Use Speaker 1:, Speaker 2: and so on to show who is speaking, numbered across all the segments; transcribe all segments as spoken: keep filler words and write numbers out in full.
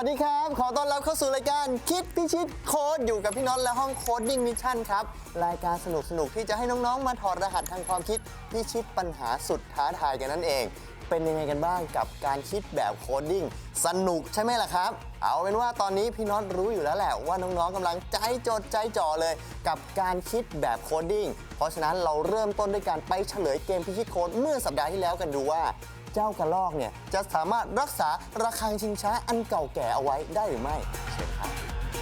Speaker 1: วัสดีครับขอต้อนรับเข้าสู่รายการคิดพิชิตโค้ดอยู่กับพี่น็อตและห้องโค้ดดิ้งมิชชั่นครับรายการสนุกๆที่จะให้น้องๆมาถอดรหัสทางความคิดพิชิตปัญหาสุดท้าทายกันนั่นเองเป็นยังไงกันบ้างกับการคิดแบบโค้ดดิ้งสนุกใช่ไหมล่ะครับเอาเป็นว่าตอนนี้พี่น็อตรู้อยู่แล้วแหละว่าน้องๆกำลังใจจดใจจ่อเลยกับการคิดแบบโค้ดดิ้งเพราะฉะนั้นเราเริ่มต้นด้วยการไปเฉลยเกมพิชิตโค้ดเมื่อสัปดาห์ที่แล้วกันดูว่าเจ้ากระรอกเนี่ยจะสามารถรักษาระฆังชิงช้าอันเก่าแก่เอาไว้ได้หรือไม่เชิญครับ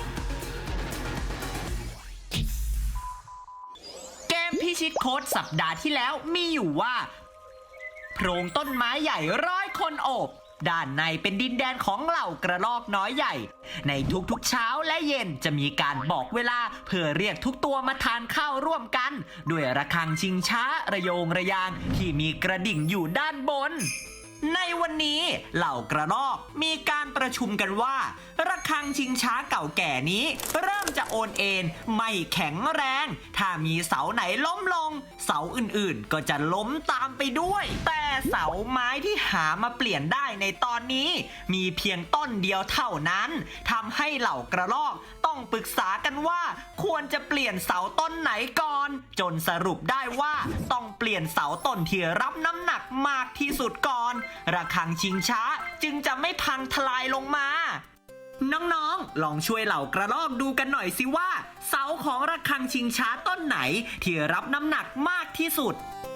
Speaker 2: เกมพิชิตโค้ดสัปดาห์ที่แล้วมีอยู่ว่าโพรงต้นไม้ใหญ่ร้อยคนโอบด้านในเป็นดินแดนของเหล่ากระรอกน้อยใหญ่ในทุกๆเช้าและเย็นจะมีการบอกเวลาเพื่อเรียกทุกตัวมาทานข้าวร่วมกันด้วยระฆังชิงช้าระโยงระยางที่มีกระดิ่งอยู่ด้านบนในวันนี้เหล่ากระรอกมีการประชุมกันว่าระฆังชิงช้าเก่าแก่นี้เริ่มจะโอนเอ็นไม่แข็งแรงถ้ามีเสาไหนล้มลงเสาอื่นๆก็จะล้มตามไปด้วยแต่เสาไม้ที่หามาเปลี่ยนได้ในตอนนี้มีเพียงต้นเดียวเท่านั้นทำให้เหล่ากระรอกต้องปรึกษากันว่าควรจะเปลี่ยนเสาต้นไหนก่อนจนสรุปได้ว่าต้องเปลี่ยนเสาต้นที่รับน้ำหนักมากที่สุดก่อนระฆังชิงช้าจึงจะไม่พังทลายลงมาน้องๆลองช่วยเหล่ากระรอกดูกันหน่อยสิว่าเสาของระฆังชิงช้าต้นไหนที่รับน้ำหนักมากที่สุด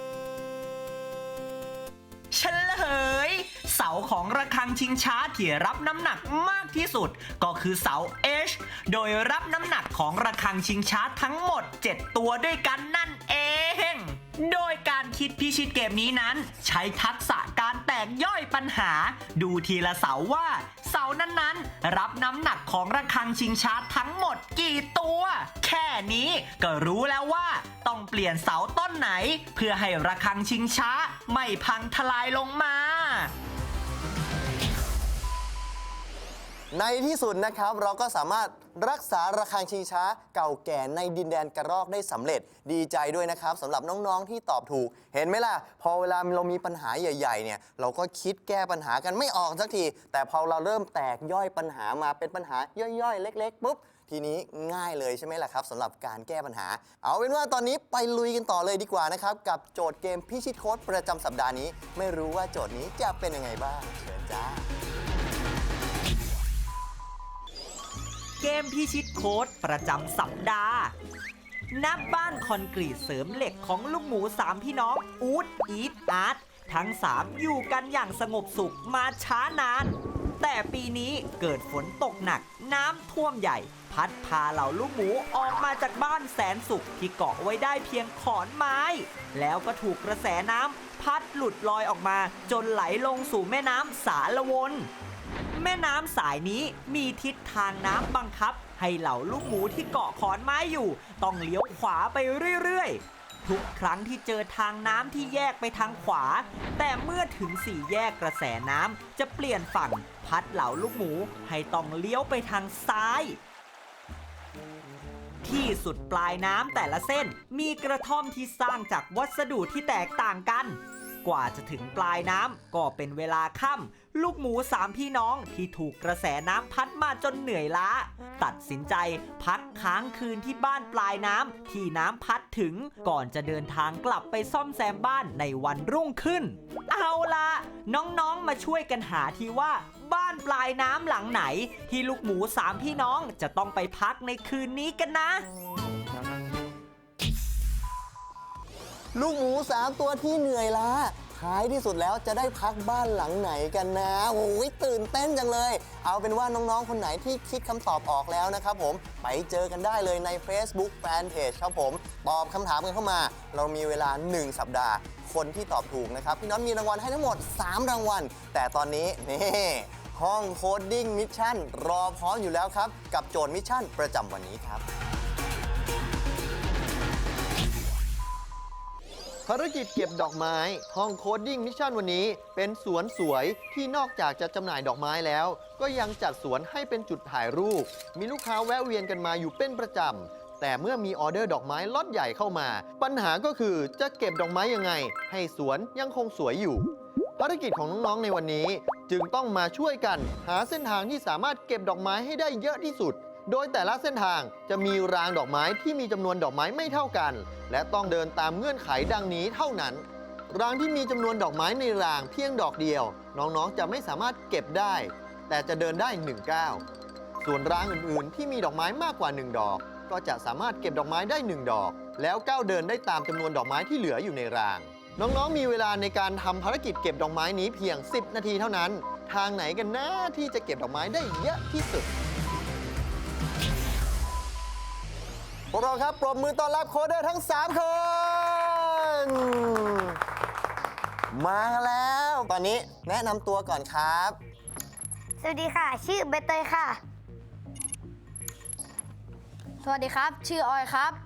Speaker 2: เฉลยเสาของระฆังชิงช้าที่รับน้ำหนักมากที่สุดก็คือเสา H โดยรับน้ำหนักของระฆังชิงช้าทั้งหมดเจ็ดตัวด้วยกันนั่นเองโดยการคิดพิชิตเกมนี้นั้นใช้ทักษะการแตกย่อยปัญหาดูทีละเสาว่าเสานั้นๆรับน้ำหนักของระฆังชิงช้าทั้งหมดกี่ตัวแค่นี้ก็รู้แล้วว่าต้องเปลี่ยนเสาต้นไหนเพื่อให้ระฆังชิงช้าไม่พังทลายลงมา
Speaker 1: ในที่สุดนะครับเราก็สามารถรักษาระฆังชิงช้าเก่าแก่ในดินแดนกระรอกได้สำเร็จดีใจด้วยนะครับสำหรับน้องๆที่ตอบถูกเห็นไหมล่ะพอเวลาเรามีปัญหาใหญ่ๆเนี่ยเราก็คิดแก้ปัญหากันไม่ออกสักทีแต่พอเราเริ่มแตกย่อยปัญหามาเป็นปัญหาย่อยๆเล็กๆปุ๊บทีนี้ง่ายเลยใช่ไหมล่ะครับสำหรับการแก้ปัญหาเอาเป็นว่าตอนนี้ไปลุยกันต่อเลยดีกว่านะครับกับโจทย์เกมพิชิตโค้ดประจำสัปดาห์นี้ไม่รู้ว่าโจทย์นี้จะเป็นยังไงบ้างเชิญจ้า
Speaker 2: เกมพิชิตโค้ดประจำสัปดาห์ณบ้านคอนกรีตเสริมเหล็กของลูกหมูสามพี่น้องอู๊ดอีทอาร์ตทั้งสามอยู่กันอย่างสงบสุขมาช้านานแต่ปีนี้เกิดฝนตกหนักน้ำท่วมใหญ่พัดพาเหล่าลูกหมูออกมาจากบ้านแสนสุขที่เกาะไว้ได้เพียงขอนไม้แล้วก็ถูกกระแสน้ำพัดหลุดลอยออกมาจนไหลลงสู่แม่น้ำสารวนแม่น้ำสายนี้มีทิศทางน้ำบังคับให้เหล่าลูกหมูที่เกาะขอนไม้อยู่ต้องเลี้ยวขวาไปเรื่อยๆทุกครั้งที่เจอทางน้ำที่แยกไปทางขวาแต่เมื่อถึงสี่แยกกระแสน้ำจะเปลี่ยนฝั่งพัดเหล่าลูกหมูให้ต้องเลี้ยวไปทางซ้ายที่สุดปลายน้ำแต่ละเส้นมีกระท่อมที่สร้างจากวัสดุที่แตกต่างกันกว่าจะถึงปลายน้ำก็เป็นเวลาค่ำลูกหมูสามพี่น้องที่ถูกกระแสน้ำพัดมาจนเหนื่อยล้าตัดสินใจพักค้างคืนที่บ้านปลายน้ำที่น้ำพัดถึงก่อนจะเดินทางกลับไปซ่อมแซมบ้านในวันรุ่งขึ้นเอาล่ะน้องๆมาช่วยกันหาทีว่าบ้านปลายน้ำหลังไหนที่ลูกหมูสามพี่น้องจะต้องไปพักในคืนนี้กันนะ
Speaker 1: ลูกหมูสามตัวที่เหนื่อยล้าท้ายที่สุดแล้วจะได้พักบ้านหลังไหนกันนะโอ้ยตื่นเต้นจังเลยเอาเป็นว่าน้องๆคนไหนที่คิดคำตอบออกแล้วนะครับผมไปเจอกันได้เลยใน Facebook Fanpage ครับผมตอบคำถามกันเข้ามาเรามีเวลาหนึ่งสัปดาห์คนที่ตอบถูกนะครับพี่น้องมีรางวัลให้ทั้งหมดสามรางวัลแต่ตอนนี้นี่ห้องโคดดิ้งมิชชั่นรอพร้อมอยู่แล้วครับกับโจทย์มิชชั่นประจำวันนี้ครับภารกิจเก็บดอกไม้ห้องโคดดิ้งมิชชั่นวันนี้เป็นสวนสวยที่นอกจากจะจำหน่ายดอกไม้แล้วก็ยังจัดสวนให้เป็นจุดถ่ายรูปมีลูกค้าแวะเวียนกันมาอยู่เป็นประจำแต่เมื่อมีออเดอร์ดอกไม้ล็อตใหญ่เข้ามาปัญหาก็คือจะเก็บดอกไม้ยังไงให้สวนยังคงสวยอยู่ภภารกิจของน้องๆในวันนี้จึงต้องมาช่วยกันหาเส้นทางที่สามารถเก็บดอกไม้ให้ได้เยอะที่สุด โดยแต่ละเส้นทางจะมีรางดอกไม้ที่มีจำนวนดอกไม้ไม่เท่ากัน และต้องเดินตามเงื่อนไขดังนี้เท่านั้น รางที่มีจำนวนดอกไม้ในรางเพียงดอกเดียว น้องๆจะไม่สามารถเก็บได้ แต่จะเดินได้หนึ่งก้าวส่วนรางอื่นๆที่มีดอกไม้มากกว่าหนึ่งดอก ก็จะสามารถเก็บดอกไม้ได้หนึ่งดอก แล้วก้าวเดินได้ตามจำนวนดอกไม้ที่เหลืออยู่ในราง น้องๆ มีเวลาในการทำภารกิจเก็บดอกไม้นี้เพียง สิบ นาทีเท่านั้น ทางไหนกันนะที่จะเก็บดอกไม้ได้เยอะที่สุด พวกเราครับปรบมือต้อนรับโค้ดเดอร์ทั้ง สาม คน มาแล้ว ตอนนี้แนะนำตัวก่อนครับ
Speaker 3: สวัสดีค่ะ ชื่อเบเตยค่ะ
Speaker 4: สวัสดีครับ ชื่อออยครับ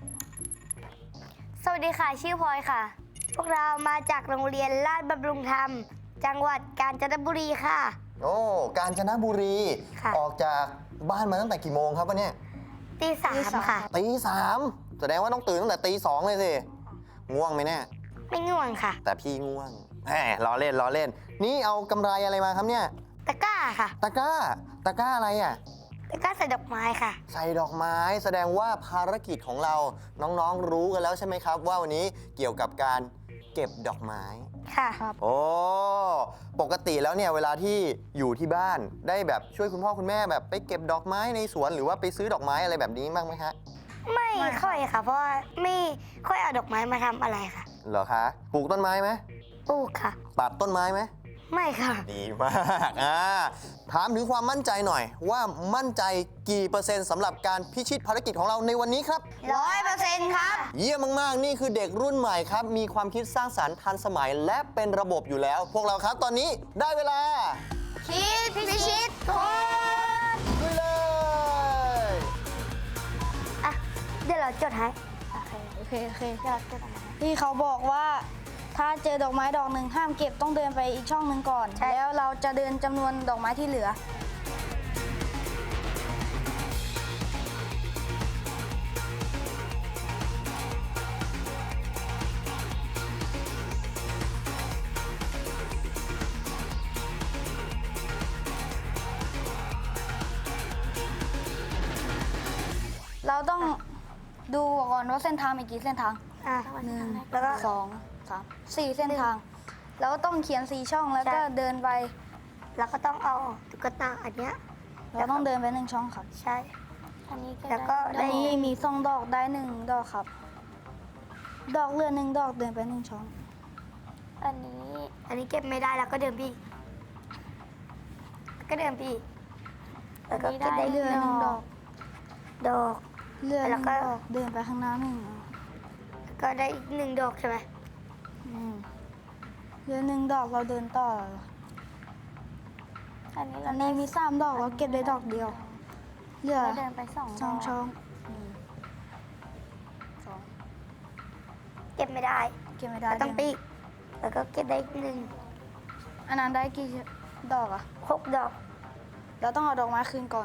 Speaker 3: สวัสดีค่ะ ชื่อพลอยค่ะ พวกเรามาจากโรงเรียนลาดบำรุงธรรม จังหวัดกาญจนบุรีค่ะ
Speaker 1: โอ้ กาญจนบุรี
Speaker 3: ค่ะ
Speaker 1: ออกจากบ้านมาตั้งแต่กี่โมงครับวันเนี้ย
Speaker 3: ตีสามค่ะ
Speaker 1: ตีสามแสดงว่าต้องตื่นตั้งแต่ตีสองเลยสิ ง่วงไหมเนี่ย
Speaker 3: ไม่ง่วงค่ะ
Speaker 1: แต่พี่ง่วงแหมล้อเล่นล้อเล่น นี่เอากำไรอะไรมาครับเนี่ย
Speaker 3: ตะกร้าค่ะ
Speaker 1: ตะกร้า ตะกร้าอะไรอ่ะ
Speaker 3: ตะกร้าใส่ดอกไม้ค่ะ
Speaker 1: ใส่ดอกไม้แสดงว่าภารกิจของเราน้องๆรู้กันแล้วใช่ไหมครับ ว่าวันนี้เกี่ยวกับการเก็บดอกไม้
Speaker 3: ค่ะ
Speaker 1: โอ้ ปกติแล้วเนี่ยเวลาที่อยู่ที่บ้านได้แบบช่วยคุณพ่อคุณแม่แบบไปเก็บดอกไม้ในสวนหรือว่าไปซื้อดอกไม้อะไรแบบนี้บ้างไหมคะ
Speaker 3: ไม่ค่อยค่ะ เพราะว่าไม่ค่อยเอาดอกไม้มาทำอะไรค่ะ
Speaker 1: เหรอคะ ปลูกต้นไม้ไหม
Speaker 3: ปลูกค่ะ
Speaker 1: ตัดต้นไม้ไหม
Speaker 3: ไม่ค่ะ
Speaker 1: ดีมากอ่าถามถึงความมั่นใจหน่อย ว่ามั่นใจกี่เปอร์เซ็นต์สำหรับการพิชิตภารกิจของเราในวันนี้ครับ
Speaker 3: ร้อยเปอร์เซ็นต์ครับ
Speaker 1: เยี่ยมมากๆ นี่คือเด็กรุ่นใหม่ครับ มีความคิดสร้างสรรค์ทันสมัยและเป็นระบบอยู่แล้ว พวกเราครับตอนนี้ได้เวลา
Speaker 3: คิดพิชิตโค้ด
Speaker 1: ด้วยเลย
Speaker 3: อ่ะ เดี๋ยวเราจดให้ โอเค
Speaker 4: โอเค โอเค
Speaker 3: เดี๋ยวเราจดเอามา
Speaker 4: ที่เขาบอกว่า ถ้าเจอดอกไม้ดอกหนึ่งห้ามเก็บต้องเดินไปอีกช่องหนึ่งก่อน
Speaker 3: ใช่
Speaker 4: แล้วเราจะเดินจำนวนดอกไม้ที่เหลือ เราต้องดูก่อนว่าเส้นทางมีกี่เส้นทาง
Speaker 3: อ่ะ
Speaker 4: หนึ่ง
Speaker 3: แล้วก็
Speaker 4: สองสามสี่เส้นทาง แล้วต้องเขียนสี่ช่องแล้วก็
Speaker 3: ใช่
Speaker 4: เดินไป
Speaker 3: เราก็ต้องเอาตุ๊กตาอันเนี้ย
Speaker 4: เราต้องเดินไปหนึ่งช่องครับ
Speaker 3: ใช่
Speaker 4: อันนี้
Speaker 3: แล้วก็
Speaker 4: อันนี้มีสองดอกได้หนึ่งดอกครับ ดอกเรือหนึ่งดอกเดินไปหนึ่งช่อง
Speaker 3: อันนี้ อันนี้เก็บไม่ได้แล้วก็เดินไปอีกก็เดินไปอีกแล้วก็เก็บได้
Speaker 4: เรือหนึ่งดอก
Speaker 3: ดอก
Speaker 4: เรือห
Speaker 3: แล้
Speaker 4: นึ่
Speaker 3: ว
Speaker 4: ง
Speaker 3: ก็
Speaker 4: ดอกเดินไปข้างหน้าหนึ่ง
Speaker 3: แล้วก็ได้อีกหนึ่งดอกใช่ไหม
Speaker 4: อืมเรือหนึ่งดอกเราเดินต่อ
Speaker 3: อันนี้
Speaker 4: อั
Speaker 3: เรา
Speaker 4: นนี้มีสามดอกเราเก็บได้ดอกเดียวเหลือ
Speaker 3: เดินไปสองด
Speaker 4: ช่อง
Speaker 3: อก
Speaker 4: ช่องหนึ่งสอง
Speaker 3: เก็บไม่ได้
Speaker 4: เก็บไม่ได้
Speaker 3: เราต้องไปอีกแล้วก็เก็บได้อีกหนึ่ง
Speaker 4: อันนั้นได้กี่ดอกอะ
Speaker 3: หกดอก
Speaker 4: เราต้องเอาดอกไม้คืนก่อน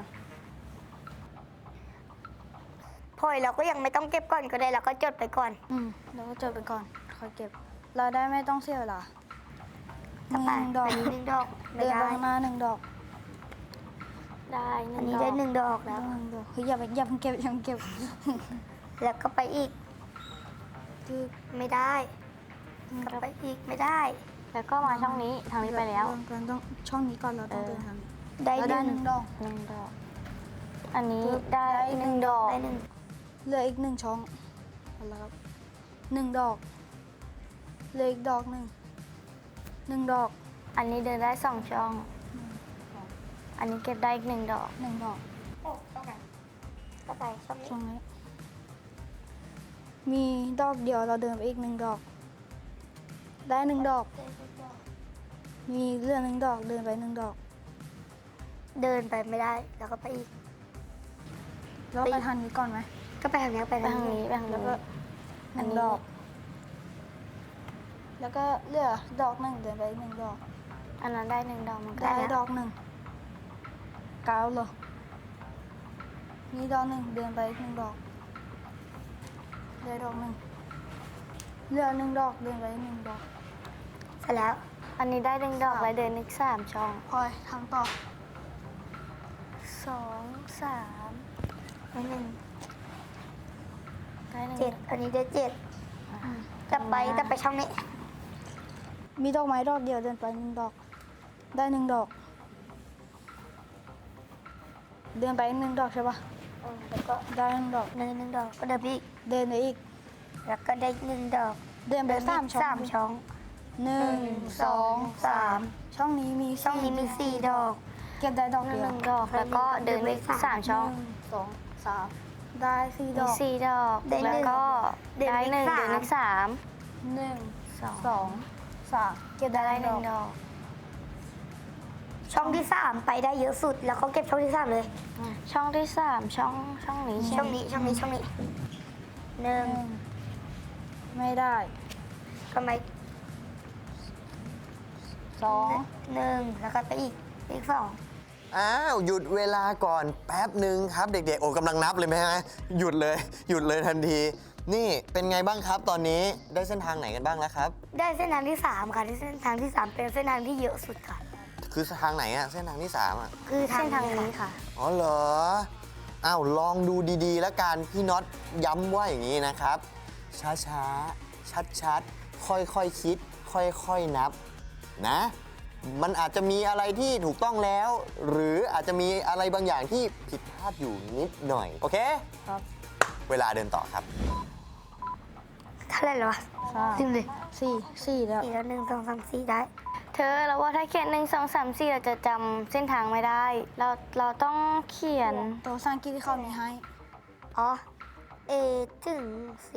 Speaker 3: พลอยเราก็ยังไม่ต้องเก็บก่อนก็ได้เราก็จดไปก่อน
Speaker 4: อืมเราก็จดไปก่อนค่อยเก็บ เราได้ไม่ต้องเสียเวลาห
Speaker 3: ต่อไป
Speaker 4: นึ่งดอก
Speaker 3: อันนี้หนึ่งดอกไม่
Speaker 4: เดิน
Speaker 3: ได้
Speaker 4: ไปข้างหน้าหนึ่งดอก
Speaker 3: ได้อันนี้ได้หนึ่งดอกแล้ว
Speaker 4: หนึ่งดอกเฮ้ยอย่าไปอย่าเพิ่งเก็บอย่าเพิ่งเก็บ
Speaker 3: แล้วก็ไปอีก
Speaker 4: คือ
Speaker 3: ไม่ได้ก็ไปอีกไม่ได้
Speaker 5: แล้วก็มาช่องนี้ทางนี้ไปแล้ว
Speaker 4: เราต้องช่องนี้ก่อนเราต้องเดินทางนี้
Speaker 3: ได้
Speaker 4: เรา
Speaker 3: ห
Speaker 4: ได้
Speaker 3: นึ่ง
Speaker 4: หนึ่งดอก
Speaker 5: หนึ่งดอก อันนี้
Speaker 4: ปึ๊บ
Speaker 5: ได้
Speaker 3: ได้หนึ่งดอกได้หนึ่ง
Speaker 4: เหลืออีกหนึ่งช่องเอาละครับหนึ่งดอกเหลืออีกดอกหนึ่งหนึ่งดอก
Speaker 5: อันนี้เดินได้สองช่อง อันนี้เก็บได้อีกหนึ่งดอก
Speaker 4: หนึ่งดอก
Speaker 3: ก็ไปช่องนี้
Speaker 4: ช่องนี้ มีดอกเดียวเราเดินไปอีกหนึ่งดอก ได้หนึ่งดอก มีเหลือหนึ่งดอกเดินไปหนึ่งดอก
Speaker 3: เดินไปไม่ได้แล้วก็ไปอีก
Speaker 4: แล้วไปทางนี้ก่อนไหม
Speaker 3: ก็ไปทางนี้ไป
Speaker 5: ไป
Speaker 3: ทาง
Speaker 5: ทาง
Speaker 3: นี้
Speaker 5: นี้ไปทาง
Speaker 4: แล้ว
Speaker 5: นี้
Speaker 4: ก็ห
Speaker 5: อัน
Speaker 4: นึ่ง
Speaker 5: นี้
Speaker 4: ดอก แล้วก็เหลือดอกหนึ่งเดินไปอีกหนึ่งดอก
Speaker 5: อันนั้นได้หนึ่งดอกเหมันก็
Speaker 4: ได้
Speaker 5: แล้ว
Speaker 4: ดอกหนึ่งเก้าเลยมีดอกหนึ่งเดินไปอีกหนึ่งดอกได้ดอกหนึ่งเหลือหนึ่งดอกเดินไปอีกหนึ่งดอก
Speaker 3: เสร็จแล้ว
Speaker 4: เ
Speaker 5: อันนี้ได้หนึ่งดอกแล้วเดินอีกสามช่อง
Speaker 4: พลอยทำต่อ
Speaker 5: สองสามหนึ่งได้หนึ่ง
Speaker 3: เจ็ดอันนี้ได้เจ็ดจะไปจะไปช่องนี้
Speaker 4: มีดอกไม้ดอกเดียวเดินไปหนึ่งดอก ได้หนึ่งดอก เดินไปหนึ่งดอกใช่ปะ
Speaker 3: แล้วก็
Speaker 4: ได้หนึ่งดอก
Speaker 3: หนึ่งหนึ่งดอกก็เดินไปอีก
Speaker 4: เดินไปอีก
Speaker 3: แล้วก็ได้หนึ่งดอก
Speaker 4: เดินไปสามช่อง
Speaker 3: สามช่อง
Speaker 4: หนึ่งสองสามช่องนี้มี
Speaker 3: ช่องนี้มีสี่ดอก
Speaker 4: เก็บได้ดอก
Speaker 5: ห
Speaker 4: เดียว
Speaker 5: นึ่งดอกแล้วก็เดินไปอีกสามช่อง
Speaker 4: หนึ่สองสามได้สี่ด
Speaker 5: มี
Speaker 4: อก
Speaker 5: สี่ดอก
Speaker 3: ได้หนึ่ง
Speaker 5: แล้วก็
Speaker 3: เดิน
Speaker 5: ได้
Speaker 3: ไป
Speaker 5: หนึ่ง
Speaker 3: สาม
Speaker 5: เดินอีกสาม
Speaker 4: หนึ่ง
Speaker 5: สอง
Speaker 4: สองสามเก็บได้
Speaker 5: ได้
Speaker 4: ห
Speaker 5: ห
Speaker 4: นึ่
Speaker 5: นึ่
Speaker 4: ง
Speaker 5: ง
Speaker 4: ด
Speaker 5: ด
Speaker 4: อก
Speaker 5: อก
Speaker 3: ช่องที่สามไปได้เยอะสุด แล้วเขาเก็บช่องที่สามเลย
Speaker 5: ช่องที่สามช่องช่องนี้ใช่
Speaker 3: ช่อง
Speaker 5: ไหม
Speaker 3: นี้ช่องนี้ช่องนี้หนึ่ง
Speaker 4: หนึ่งไม่ได้
Speaker 3: ทำไม
Speaker 4: สอง
Speaker 3: หนึ่งแล้วก็ไปอีกอีกสอง
Speaker 1: อ้าวหยุดเวลาก่อนแป๊บหนึ่งครับเด็กๆโอ้กำลังนับเลยไหมฮะหยุดเลยหยุดเลยทันที นี่เป็นไงบ้างครับตอนนี้ได้เส้นทางไหนกันบ้างแล้วครับ
Speaker 3: ได้เส้นทางที่สามค่ะที่เส้นทางที่สามเป็นเส้นทางที่เยอะสุดค่ะ
Speaker 1: คือทางไหนอะเส้นทางที่สามอะ
Speaker 3: คือทา
Speaker 5: เส้
Speaker 3: ง
Speaker 5: นทาง
Speaker 3: นี้
Speaker 5: นี้
Speaker 3: ค่ะ
Speaker 5: ค่ะ
Speaker 1: อ๋อเหรออ้าวลองดูดีๆ แล้วกันพี่น็อตย้ำว่าอย่างนี้นะครับ ช้าๆ ชัดๆ ค่อยๆคคิด ค่อยๆนับนะ มันอาจจะมีอะไรที่ถูกต้องแล้ว หรืออาจจะมีอะไรบางอย่างที่ผิดพลาดอยู่นิดหน่อย โอเค
Speaker 4: ครับ
Speaker 1: เวลาเดินต่อครับ
Speaker 3: เท่าไหร่แล้ววะ
Speaker 4: สาม
Speaker 3: ลืมเลย
Speaker 4: สี่สี่แล้ว
Speaker 3: สี่แล้วหนึ่งสองสามสี่ได้
Speaker 5: เธอเราว่าถ้าเขียนหนึ่งสองสามสี่เราจะจำเส้นทางไม่ได้ เราเราต้องเขียน
Speaker 4: ตัวภาษาอังกฤษที่เขามีให้
Speaker 3: อ๋อ A ถึง C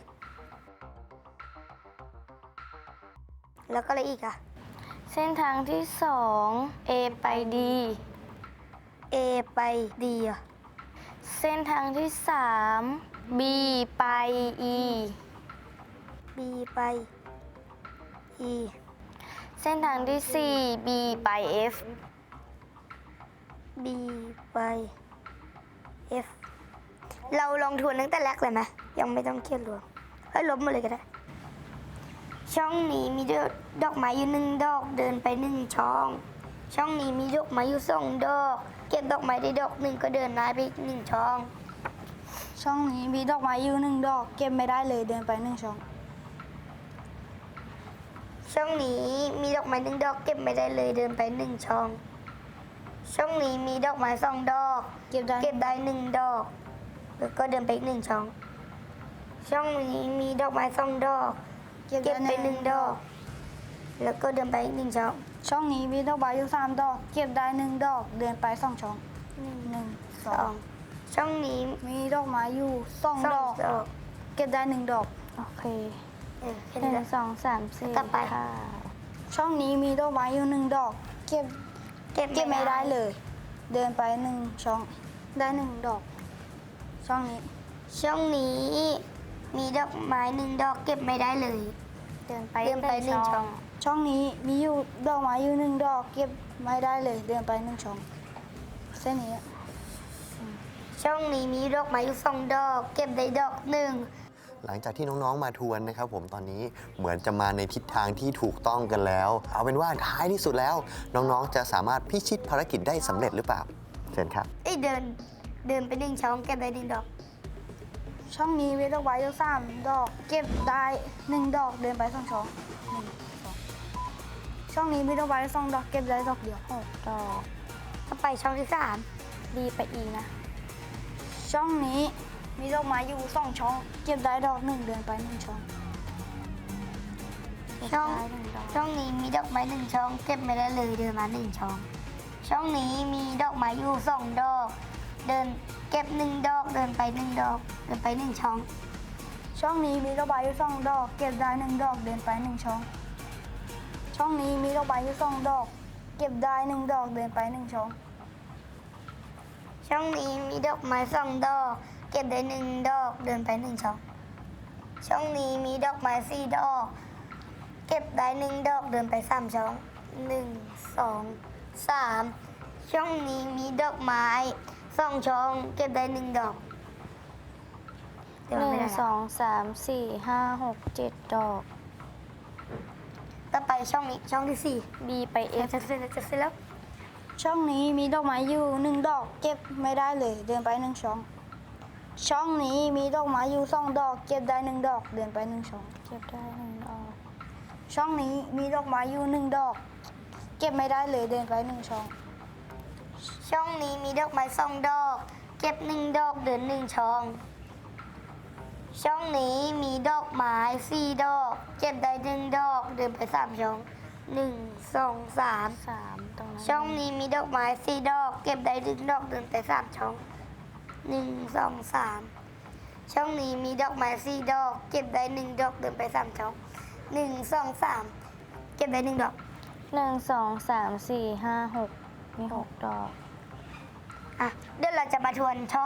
Speaker 3: แล้วก็อะไรอีกอะ
Speaker 5: เส้นทางที่สอง A ไป D
Speaker 3: A ไป D อะ
Speaker 5: เส้นทางที่สาม B ไป E
Speaker 3: B ไป E
Speaker 5: เส้นทางที่สี่ B ไป F
Speaker 3: B ไป F เราลองทวนตั้งแต่แรกเลยไหมยังไม่ต้องเขียนรวมเฮ้ยลบมาเลยก็ได้ ช่องนี้มีดอกไม้อยู่หนึ่งดอกเดินไปหนึ่งช่อง ช่องนี้มีดอกไม้อยู่สองดอก เก็บดอกไม้ได้ดอกหนึ่งก็เดินได้ไปอีกหนึ่งช่อง
Speaker 4: ช่องนี้มีดอกไม้อยู่หนึ่งดอก เก็บไม่ได้เลยเดินไปหนึ่งช่อง
Speaker 3: ช่องนี้มีดอกไม้หนึ่งดอก เก็บไม่ได้เลยเดินไปหนึ่งช่อง ช่องนี้มีดอกไม้สองดอก
Speaker 4: เก็บได้
Speaker 3: เก็บได้หนึ่งดอก แล้วก็เดินไปอีกหนึ่งช่อง ช่องนี้มีดอกไม้สองดอก เก็บไปหนึ่งดอก แล้วก็เดินไปอีกหนึ่งช่อง
Speaker 4: ช่องนี้มีดอกไม้อยู่สามดอก เก็บได้หนึ่งดอก เดินไปสองช่องหนึ่งส
Speaker 3: ส
Speaker 4: อ
Speaker 3: อง ง ช่องนี้
Speaker 4: มีดอกไม้อยู่สอง
Speaker 3: ส
Speaker 4: ด
Speaker 3: อ
Speaker 4: อง ก
Speaker 3: ดอก
Speaker 4: เก็บได้หนึ่งดอก
Speaker 5: โอเค
Speaker 3: เออแค่
Speaker 5: ห
Speaker 3: นี้
Speaker 5: นึ่
Speaker 3: แห
Speaker 5: ง
Speaker 3: ละ
Speaker 5: สองสามสี่
Speaker 3: ต่อไป
Speaker 5: ค่ะ
Speaker 4: ช่องนี้มีดอกไม้อยู่หนึ่งดอก เก็บ
Speaker 3: เก็บ
Speaker 4: เก็บไม่ได้เลย เดินไปหนึ่งช่อง ได้หนึ่งดอก ช่องนี้
Speaker 3: ช่องนี้มีดอกไม้หนึ่งดอก เก็บไม่ได้เลย
Speaker 5: เดินไป
Speaker 3: เดินไปหนึ่งช่อง
Speaker 4: ช่องนี้มีอยู่ดอกไม้อยู่หนึ่งดอก เก็บไม่ได้เลย เดินไปหนึ่งช่อง เส้นนี้
Speaker 3: ช่องนี้มีดอกไม้อยู่สองดอก เก็บได้ดอกหนึ่ง
Speaker 1: หลังจากที่น้องๆมาทวนนะครับผมตอนนี้เหมือนจะมาในทิศทางที่ถูกต้องกันแล้ว เอาเป็นว่าท้ายที่สุดแล้ว น้องๆจะสามารถพิชิตภารกิจได้สำเร็จหรือเปล่าเชิญครับ
Speaker 3: เอ้ยเดิน เดินไปหนึ่งช่อง เก็บได้หนึ่งดอก
Speaker 4: ช่องนี้มีดอกไม้อยู่สามดอก เก็บได้หนึ่งดอก เดินไปสองช่องหนึ่งสองช่องนี้มีดอกไม้สองดอก เก็บได้ดอกเดียว
Speaker 5: หกดอก
Speaker 3: ถ้าไปช่องที่สาม
Speaker 5: B ไป E นะ
Speaker 4: ช่องนี้มีดอกไม้อยู่สองช่อง เก็บได้ดอกหนึ่งเดินไปหนึ่งช่อง
Speaker 3: ช่อง
Speaker 5: ได้หนึ่งดอก
Speaker 3: ช่องนี้มีดอกไม้หนึ่งช่อง เก็บไม่ได้เลยเดินมาหนึ่งช่อง ช่องนี้มีดอกไม้อยู่สองดอก เดินเก็บหนึ่งดอก เดินไปหนึ่งดอก เดินไปหนึ่งช่อง
Speaker 4: ช่องนี้มีดอกไม้อยู่สองดอก เก็บได้หนึ่งดอก เดินไปหนึ่งช่อง ช่องนี้มีดอกไม้อยู่สองดอก เก็บได้หนึ่งดอก เดินไปหนึ่งช่อง
Speaker 3: ช่องนี้มีดอกไม้สองดอก เก็บได้หนึ่งดอก เดินไปหนึ่งช่อง ช่องนี้มีดอกไม้สี่ดอก เก็บได้หนึ่งดอก เดินไปสามช่องหนึ่งสองสามช่องนี้มีดอกไม้สองช่อง เก็บได้หนึ่งดอกเดี๋ยว
Speaker 5: หนึ่
Speaker 3: ไม่
Speaker 5: ง
Speaker 3: ได้
Speaker 5: สองสามสี่ห้าหกเจ็ดดอก
Speaker 3: ต่อไปช่องนี้ช่องที่สี่
Speaker 5: B ไป
Speaker 3: เอ
Speaker 5: F
Speaker 3: จะเสร็จแล้วจะเสร็จแล้ว
Speaker 4: ช่องนี้มีดอกไม้อยู่หนึ่งดอก เก็บไม่ได้เลย เดินไปหนึ่งช่อง ช่องนี้มีดอกไม้อยู่สองดอก เก็บได้หนึ่งดอก เดินไปหนึ่งช่อง
Speaker 5: เก็บได้หนึ่งดอก
Speaker 4: ช่องนี้มีดอกไม้อยู่หนึ่งดอก เก็บไม่ได้เลย เดินไปหนึ่งช่อง
Speaker 3: ช่องนี้มีดอกไม้สองดอก เก็บหนึ่งดอกเดินหนึ่งช่อง ช่องนี้มีดอกไม้สี่ดอก เก็บได้หนึ่งดอกเดินไปสามช่องหนึ่งสองสาม
Speaker 5: สามตรงนั้น
Speaker 3: ช่องนี้มีดอกไม้สี่ดอก เก็บได้หนึ่งดอกเดินไปสามช่องหนึ่งสองสามช่องนี้มีดอกไม้สี่ดอก เก็บได้หนึ่งดอกเดินไปสามช่องหนึ่งสองสามเก็บได้หนึ่งดอก
Speaker 5: หนึ่งสองสามสี่ห้าหกมีหกดอก
Speaker 3: อ่ะเดี๋ยวเราจะมาทวนช่อง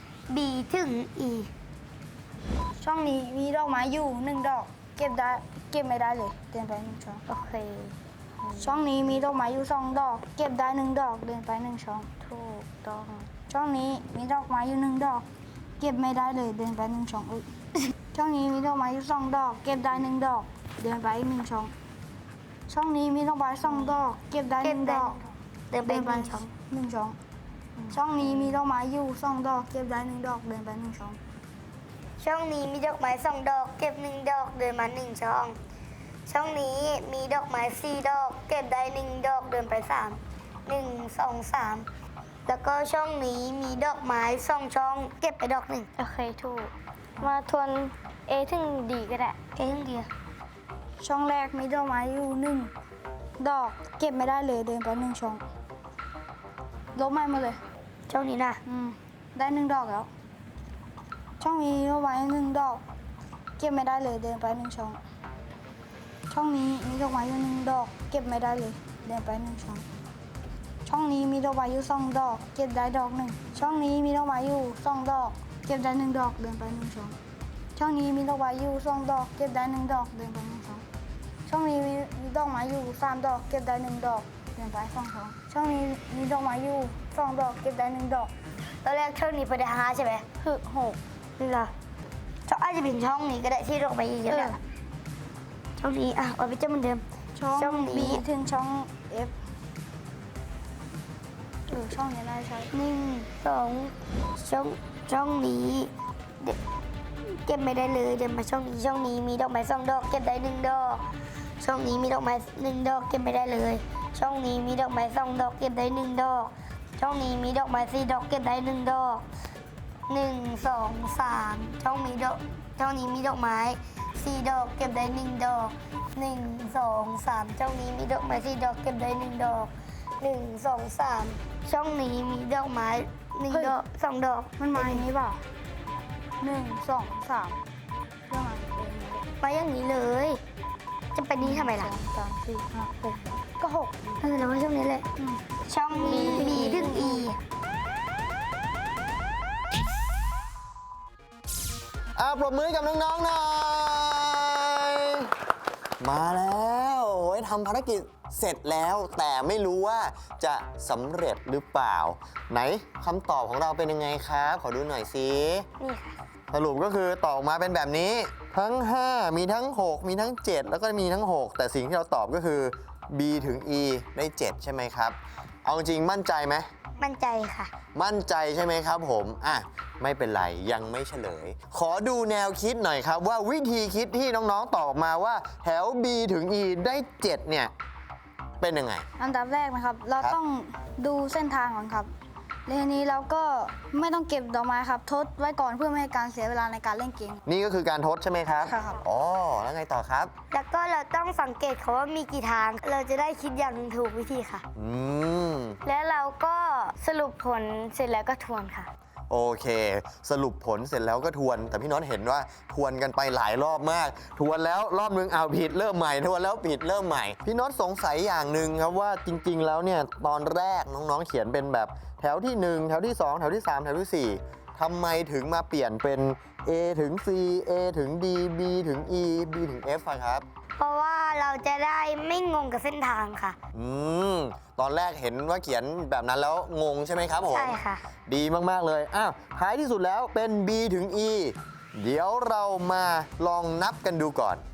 Speaker 3: B ถึง E
Speaker 4: ช่องนี้มีดอกไม้อยู่หนึ่งดอก เก็บได้เก็บไม่ได้เลย เดินไปหนึ่งช่อง
Speaker 5: โอเค
Speaker 4: ช่องนี้มีดอกไม้อยู่สองดอก เก็บได้หนึ่งดอก เดินไปหนึ่งช่อง
Speaker 5: ถูกต้อง
Speaker 4: ช่องนี้มีดอกไม้อยู่หนึ่งดอก เก็บไม่ได้เลย เดินไปหนึ่งช่องอุ๊ย ช่องนี้มีดอกไม้อยู่สองดอก เก็บได้หนึ่งดอก เดินไปอีกหนึ่งช่อง ช่องนี้มีดอกไม้สองดอก เก็บได้ห
Speaker 3: เก็บ
Speaker 4: นึ่ง
Speaker 3: ได้
Speaker 4: ดอก
Speaker 3: เดินไป
Speaker 4: เดิน
Speaker 3: ห
Speaker 4: ไป
Speaker 3: นึ่งช่อง
Speaker 4: หนึ่งช่อง ช่องนี้มีดอกไม้อยู่สองดอก เก็บได้หนึ่งดอก เดินไปหนึ่งช่อง
Speaker 3: ช่องนี้มีดอกไม้สองดอก เก็บหนึ่งดอกเดินมาหนึ่งช่อง ช่องนี้มีดอกไม้สี่ดอก เก็บได้หนึ่งดอกเดินไปสามหนึ่งสองสามแล้วก็ช่องนี้มีดอกไม้สองช่อง เก็บไปดอกหนึ่ง
Speaker 5: โอเค ถูก มาทวน A ถึง D ก็ได้
Speaker 3: เอ้ยเดียว
Speaker 4: ช่องแรกมีดอกไม้อยู่หนึ่งดอก เก็บไม่ได้เลย เดินไปหนึ่งช่อง ลบไม้มาเลย
Speaker 3: ช่องนี้นะ
Speaker 4: อืม ได้หนึ่งดอกแล้ว ช่องนี้ดอกไม้หนึ่งดอก เก็บไม่ได้เลย เดินไปหนึ่งช่อง ช่องนี้มีดอกไม้อยู่หนึ่งดอก เก็บไม่ได้เลย เดินไปหนึ่งช่อง ช่องนี้มีดอกไม้อยู่สองดอก เก็บได้ดอกหนึ่ง ช่องนี้มีดอกไม้อยู่สองดอก เก็บได้หนึ่งดอก เดินไปหนึ่งช่อง ช่องนี้มีดอกไม้อยู่สองดอก เก็บได้หนึ่งดอก เดินไปหนึ่งช่อง ช่องนี้มีดอกไม้อยู่สามดอก เก็บได้หนึ่งดอก เดินไปสองช่อง ช่องนี้มีดอกไม้อยู่สองดอก เก็บได้หนึ่งดอก
Speaker 3: ตอนแรกช่องนี้ไปได้ห้าใช่ไหม
Speaker 5: คือหก
Speaker 3: นี่เหรอช่องอาจจะเป็นช่องนี้ก็ได้ที่ดอกไม้เยอะๆแหละช่องนี้อ่ะเอาไปเจ้าเหมือนเดิม
Speaker 4: ช่อง
Speaker 3: ช่องนี้
Speaker 4: B ถึงช่อง F เออช่องนี้น่าจะใช่
Speaker 3: หนึ่งสองช่องช่องนี้เดี๋ยวเก็บไม่ได้เลยเดินมาช่องนี้ช่องนี้มีดอกไม้สองดอก เก็บได้หนึ่งดอก ช่องนี้มีดอกไม้หนึ่งดอก เก็บไม่ได้เลย ช่องนี้มีดอกไม้สองดอก เก็บได้หนึ่งดอก ช่องนี้มีดอกไม้สี่ดอก เก็บได้หนึ่งดอกหนึ่งสองสามช่องมีดอกช่องนี้มีดอกไม้สี่ดอก เก็บได้หนึ่งดอกหนึ่งสองสามช่องนี้มีดอกไม้สี่ดอก เก็บได้หนึ่งดอกหนึ่งสองสามช่องนี้มีดอกไม้หนึ่งดอกสองดอก
Speaker 4: มันมาอย่างนี้เปล่าหนึ่งสองสามเรื่องอะไรเป็นอย่างนี้
Speaker 3: มาอย่างนี้เลย จะไปนี้ทำไม
Speaker 4: ส
Speaker 3: ล่ะ
Speaker 4: องสามสี่ห้าหกก็หก
Speaker 3: เออแล้วว่าช่องนี้เลย
Speaker 4: อืม
Speaker 3: ช่องนี้ B ถึง E
Speaker 1: อ่าปรบมือให้กับน้องๆหน่อย มาแล้วโอ้ยทำภารกิจเสร็จแล้วแต่ไม่รู้ว่าจะสำเร็จหรือเปล่า ไหนคำตอบของเราเป็นยังไงครับ ขอดูหน่อยสิ
Speaker 3: นี่ค่ะ
Speaker 1: สรุปก็คือตอบออกมาเป็นแบบนี้ ทั้ง ห้า มีทั้ง หก มีทั้ง เจ็ด แล้วก็มีทั้ง หก แต่สิ่งที่เราตอบก็คือ B ถึง E ได้ เจ็ด ใช่ไหมครับ เอาจริงมั่นใจไหม
Speaker 3: มั่นใจค่ะ
Speaker 1: มั่นใจใช่ไหมครับผม อ่ะ ไม่เป็นไร ยังไม่เฉลย ขอดูแนวคิดหน่อยครับว่าวิธีคิดที่น้องๆตอบออกมาว่าแถว B ถึง E ได้ เจ็ด เนี่ย เป็นยังไง
Speaker 4: อันดับแรกนะครับ เรา
Speaker 1: ครับ
Speaker 4: ต้องดูเส้นทางก่อนครับและทีนี้เราก็ไม่ต้องเก็บดอกไม้ครับ ทดไว้ก่อนเพื่อไม่ให้การเสียเวลาในการเล่นเกม
Speaker 1: นี่ก็คือการทดใช่ไหมครับ
Speaker 4: ครับ
Speaker 1: อ๋อ แล้วไงต่อครับ
Speaker 3: แล้วก็เราต้องสังเกตเขาว่ามีกี่ทาง เราจะได้คิดอย่างถูกวิธีค่ะ
Speaker 1: อืม
Speaker 5: แล้วเราก็สรุปผลเสร็จแล้วก็ทวนค่ะ
Speaker 1: โอเค สรุปผลเสร็จแล้วก็ทวน แต่พี่น็อตเห็นว่าทวนกันไปหลายรอบมาก ทวนแล้วรอบนึงเอาผิดเริ่มใหม่ ทวนแล้วผิดเริ่มใหม่ พี่น็อตสงสัยอย่างหนึ่งครับว่าจริง ๆ แล้วเนี่ยตอนแรกน้องๆเขียนเป็นแบบแถวที่ หนึ่ง แถวที่ สอง แถวที่ สาม แถวที่ สี่ทำไมถึงมาเปลี่ยนเป็น A ถึง C A ถึง D B ถึง E B ถึง F อะครับ
Speaker 3: เพราะว่าเราจะได้ไม่งงกับเส้นทางค่ะ
Speaker 1: อืม ตอนแรกเห็นว่าเขียนแบบนั้นแล้วงงใช่ไหมครับผม
Speaker 3: ใช่ค่ะ
Speaker 1: ดีมาก ๆ เลย อ้าว ท้ายที่สุดแล้วเป็น B ถึง E เดี๋ยวเรามาลองนับกันดูก่อน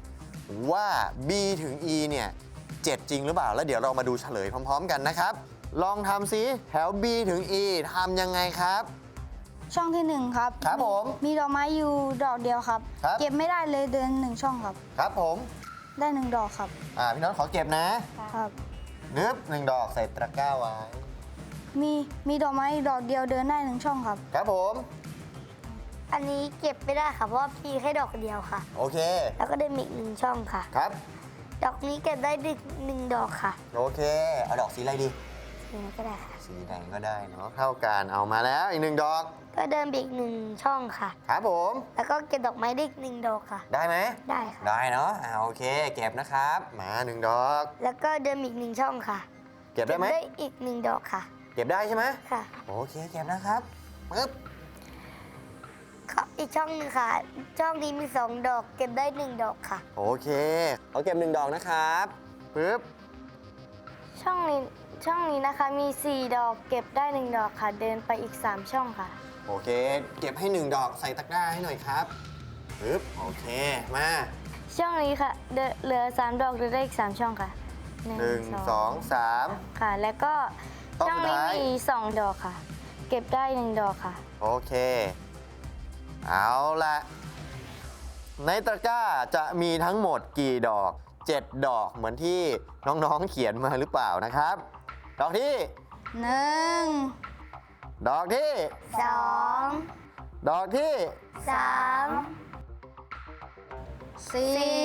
Speaker 1: ว่า b ถึง e เนี่ยเจ็ดจริงหรือเปล่าแล้วเดี๋ยวเรามาดูเฉลยพร้อมๆกันนะครับลองทำซิแถว b ถึง e ทำยังไงครับ
Speaker 4: ช่องที่หนึ่งครับ
Speaker 1: ครับผม
Speaker 4: มีดอกไม้อยู่ดอกเดียวครับ
Speaker 1: ครับ
Speaker 4: เก็บไม่ได้เลยเดินหนึ่งช่องครับ
Speaker 1: ครับผม
Speaker 4: ได้หนึ่งดอกครับ
Speaker 1: อ่าพี่น้องขอเก็บนะครับ นึบหนึ่งดอกใส่ตะกร้าไว้
Speaker 4: มีมีดอกไม้ดอกเดียวเดินได้หนึ่งช่องครับ
Speaker 1: ครับผม
Speaker 3: อันนี้เก็บไม่ได้ค่ะเพราะว่าพี่แค่ดอกเดียวค่ะ
Speaker 1: โอเค
Speaker 3: แล้วก็ได้มีอีกหนึ่งช่องค่ะ
Speaker 1: ครับ
Speaker 3: ดอกนี้เก็บได้หนึ่งหนึ่งดอกค่ะ
Speaker 1: โอเคเอาดอกสีอะไรดี
Speaker 3: อย่างนี้ก็ได้ค่ะ
Speaker 1: สีแดงก็ได้เนาะเท่ากันเอามาแล้วอีกหนึ่งดอก
Speaker 3: ก็เดินไปอีกหนึ่งช่องค่ะ
Speaker 1: ครับผม
Speaker 3: แล้วก็เก็บดอกไม้ได้อีกหนึ่งดอกค่ะ
Speaker 1: ได้ไหม
Speaker 3: ได้ค่ะ
Speaker 1: ได้เนาะอ่าโอเค เก็บนะครับมาหนึ่งดอก
Speaker 3: แล้วก็เดินอีกหนึ่งช่องค่ะ
Speaker 1: เก็บได้ไหม
Speaker 3: ได้อีกหนึ่งดอกค่ะ
Speaker 1: เก็บได้ใช่ไหม
Speaker 3: ค่ะ
Speaker 1: โอเคเก็บนะครับปึ๊บ
Speaker 3: ก็อีกช่องหนึ่งค่ะ ช่องนี้มีสองดอก เก็บได้หนึ่งดอกค่ะ
Speaker 1: โอเคเขาเก็บหนึ่งดอกนะครับปึ๊บ
Speaker 5: ช่องนี้ช่องนี้นะคะมีสี่ดอกเก็บได้หนึ่งดอกค่ะ เดินไปอีกสามช่องค่ะ
Speaker 1: โอเค เก็บให้หนึ่งดอกใส่ตะกร้าให้หน่อยครับปึ๊บโอเคมา
Speaker 5: ช่องนี้ค่ะเดินเหลือสามดอกเดินได้อีกสามช่องค่ะ
Speaker 1: หนึ่งสองสาม
Speaker 5: ค่ะ แล้วก็
Speaker 1: ต้อง
Speaker 5: ช่องนี้
Speaker 1: สุดท้าย
Speaker 5: มีสองดอกค่ะ เก็บได้หนึ่งดอกค่ะ
Speaker 1: โอเค เอาละในตะกร้าจะมีทั้งหมดกี่ดอกเจ็ดดอกเหมือนที่น้องๆเขียนมาหรือเปล่านะครับ ดอกที่
Speaker 4: หนึ่ง
Speaker 1: ดอกที่
Speaker 3: สอง
Speaker 1: ดอกที่
Speaker 3: สาม
Speaker 4: สี่
Speaker 3: สี่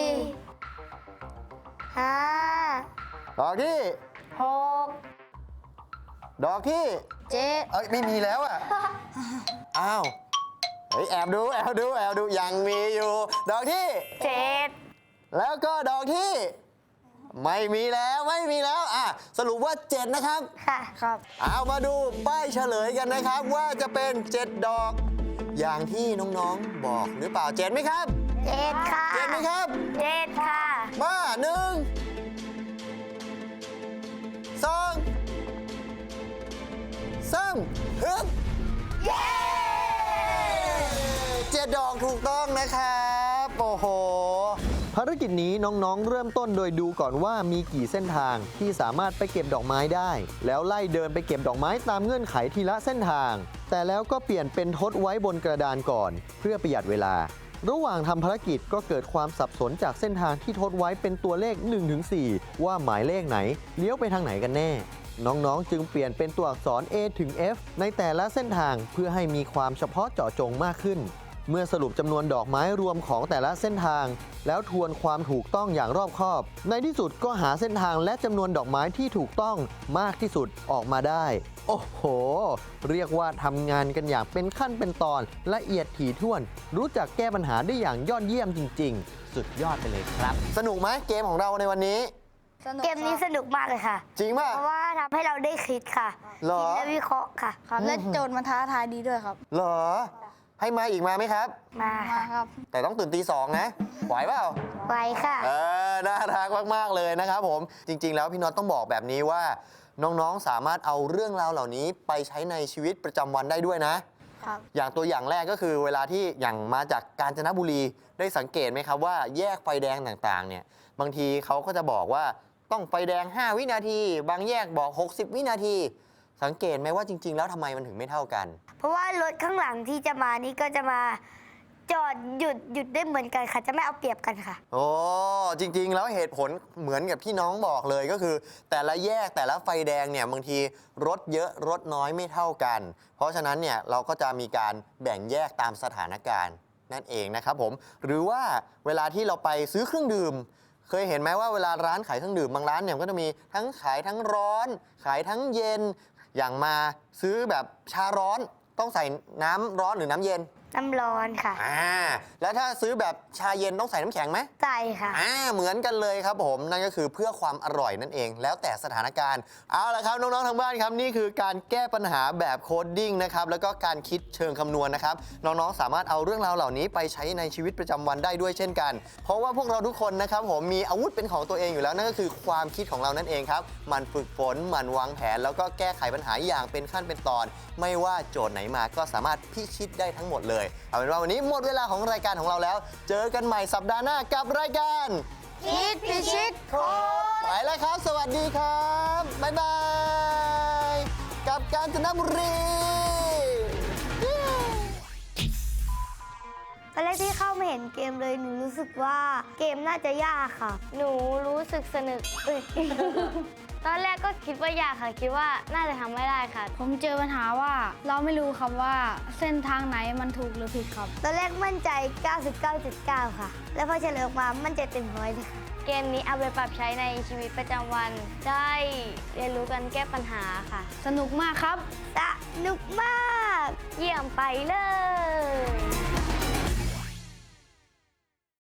Speaker 3: ห้า
Speaker 1: ดอกที่
Speaker 3: หก
Speaker 1: ดอกที่
Speaker 4: เจ็ด
Speaker 1: เอ้ยไม่มีแล้วอ่ะ อ้าวเฮ้ยแอบดูแอบดูแอบดูยังมีอยู่ ดอกที่
Speaker 3: เจ็ด
Speaker 1: แล้วก็ดอกที่ ไม่มีแล้วไม่มีแล้วอ่ะสรุปว่าเจ็ดนะครับ
Speaker 3: ค่ะ
Speaker 4: ครับ
Speaker 1: เอามาดูป้ายเฉลยกันนะครับว่าจะเป็นเจ็ดดอก อย่างที่น้องๆบอกหรือเปล่าเจ็ดไหมครับ
Speaker 3: เจ็ดค่ะ
Speaker 1: เจ็ดไหมครับ
Speaker 3: เจ็ดค่ะ
Speaker 1: มาหนึ่งสองสามฮึบเย้เจ็ดดอกถูกต้องนะครับโอ้โหภารกิจนี้น้องๆ เริ่มต้นโดยดูก่อนว่ามีกี่เส้นทางที่สามารถไปเก็บดอกไม้ได้ แล้วไล่เดินไปเก็บดอกไม้ตามเงื่อนไขทีละเส้นทาง แต่แล้วก็เปลี่ยนเป็นทดไว้บนกระดานก่อน เพื่อประหยัดเวลา ระหว่างทำภารกิจก็เกิดความสับสนจากเส้นทางที่ทดไว้เป็นตัวเลข หนึ่งถึงสี่ ว่าหมายเลขไหนเลี้ยวไปทางไหนกันแน่ น้องๆ จึงเปลี่ยนเป็นตัวอักษร A ถึง F ในแต่ละเส้นทางเพื่อให้มีความเฉพาะเจาะจงมากขึ้น เมื่อสรุปจำนวนดอกไม้รวมของแต่ละเส้นทาง แล้วทวนความถูกต้องอย่างรอบคอบ ในที่สุดก็หาเส้นทางและจำนวนดอกไม้ที่ถูกต้องมากที่สุดออกมาได้ โอ้โห เรียกว่าทำงานกันอย่างเป็นขั้นเป็นตอนละเอียดถี่ถ้วน รู้จักแก้ปัญหาได้อย่างยอดเยี่ยมจริง ๆ สุดยอดไปเลยครับ สนุกไหมเกมของเราในวันนี้
Speaker 4: สนุก
Speaker 3: เกมนี้
Speaker 4: ค
Speaker 3: ส
Speaker 4: รับ
Speaker 3: นุกมากเลยค่ะ
Speaker 1: จริงป่ะ
Speaker 3: เพราะว่าทำให้เราได้คิดค่ะ
Speaker 1: เหรอ
Speaker 3: คิดและวิเคราะห์ค่ะ
Speaker 4: ครับและโจทย์มันท้าทายดีด้วยครับ
Speaker 1: เหรอ ให้มาอีกมาไหมครับ
Speaker 3: มา
Speaker 4: มา
Speaker 3: ค่ะ
Speaker 4: ครับ
Speaker 1: แต่ต้องตื่นตีสองนะไหวเปล่า
Speaker 3: ไว้ค่ะ
Speaker 1: เออ น่ารักมาก ๆ เลยนะครับผม จริง ๆ แล้วพี่น็อตต้องบอกแบบนี้ว่า น้อง ๆ สามารถเอาเรื่องราวเหล่านี้ไปใช้ในชีวิตประจำวันได้ด้วยนะ
Speaker 4: ครับ
Speaker 1: อย่างตัวอย่างแรกก็คือเวลาที่อย่างมาจากกาญจนบุรีได้สังเกตไหมครับว่าแยกไฟแดงต่างๆเนี่ยบางทีเขาก็จะบอกว่าต้องไฟแดง ห้า วินาที บางแยกบอก หกสิบ วินาที สังเกตไหมว่าจริง ๆ แล้วทำไมมันถึงไม่เท่ากัน
Speaker 3: เพราะว่ารถข้างหลังที่จะมานี่ก็จะมาจอดหยุดหยุดได้เหมือนกันค่ะ จะไม่เอาเปรียบกันค่ะ
Speaker 1: โอ้จริง ๆ แล้วเหตุผลเหมือนกับที่น้องบอกเลยก็คือ แต่ละแยกแต่ละไฟแดงเนี่ยบางทีรถเยอะรถน้อยไม่เท่ากัน เพราะฉะนั้นเนี่ยเราก็จะมีการแบ่งแยกตามสถานการณ์นั่นเองนะครับผมหรือว่าเวลาที่เราไปซื้อเครื่องดื่ม เคยเห็นไหมว่าเวลาร้านขายเครื่องดื่มบางร้านเนี่ยก็จะมีทั้งขายทั้งร้อน ขายทั้งเย็น อย่างมาซื้อแบบชาร้อนต้องใส่น้ำร้อนหรือน้ำเย็น
Speaker 3: น้ำร้อนค่ะ
Speaker 1: อ่าแล้วถ้าซื้อแบบชาเย็นต้องใส่น้ำแข็งไหม
Speaker 3: ใส่ค่ะ
Speaker 1: อ่าเหมือนกันเลยครับผมนั่นก็คือเพื่อความอร่อยนั่นเอง แล้วแต่สถานการณ์เอาละครับน้องๆทางบ้านครับนี่คือการแก้ปัญหาแบบโคดดิ้งนะครับแล้วก็การคิดเชิงคำนวณนะครับน้องๆสามารถเอาเรื่องราวเหล่านี้ไปใช้ในชีวิตประจำวันได้ด้วยเช่นกัน เพราะว่าพวกเราทุกคนนะครับผมมีอาวุธเป็นของตัวเองอยู่แล้วนั่นก็คือความคิดของเรานั่นเองครับหมันฝึกฝนหมันวางแผน แล้วก็แก้ไขปัญหาอย่างเป็นขั้นเป็นตอน ไม่ว่าโจทย์ไหนมาก็สามารถพิชิตได้ทั้งหมดเลยเอาเป็นว่าวันนี้หมดเวลาของรายการของเราแล้ว เจอกันใหม่สัปดาห์หน้ากับรายการ
Speaker 3: คิดพิชิตโค้ด
Speaker 1: ไปแล้วครับ สวัสดีครับ บ๊ายบาย กับกาญจนบุรี
Speaker 3: ตอนแรกที่เข้ามาเห็นเกมเลยหนูรู้สึกว่าเกมน่าจะยากค่ะ
Speaker 5: หนูรู้สึกสนุกเอ้ย ตอนแรกก็คิดว่ายากค่ะ คิดว่าน่าจะทำไม่ได้ค่ะ
Speaker 4: ผมเจอปัญหาว่าเราไม่รู้ครับว่าเส้นทางไหนมันถูกหรือผิดครับ
Speaker 3: ตอนแรกมั่นใจ เก้าสิบเก้าจุดเก้า ค่ะ แล้วพอเฉลยออกมามั่นใจเต็มร้อยเลยค่ะ
Speaker 5: เกมนี้เอาไปปรับใช้ในชีวิตประจำวัน ได้เรียนรู้กันแก้ปัญหาค่ะ
Speaker 4: สนุกมากครับ
Speaker 3: สนุกมาก
Speaker 5: เยี่ยมไปเลย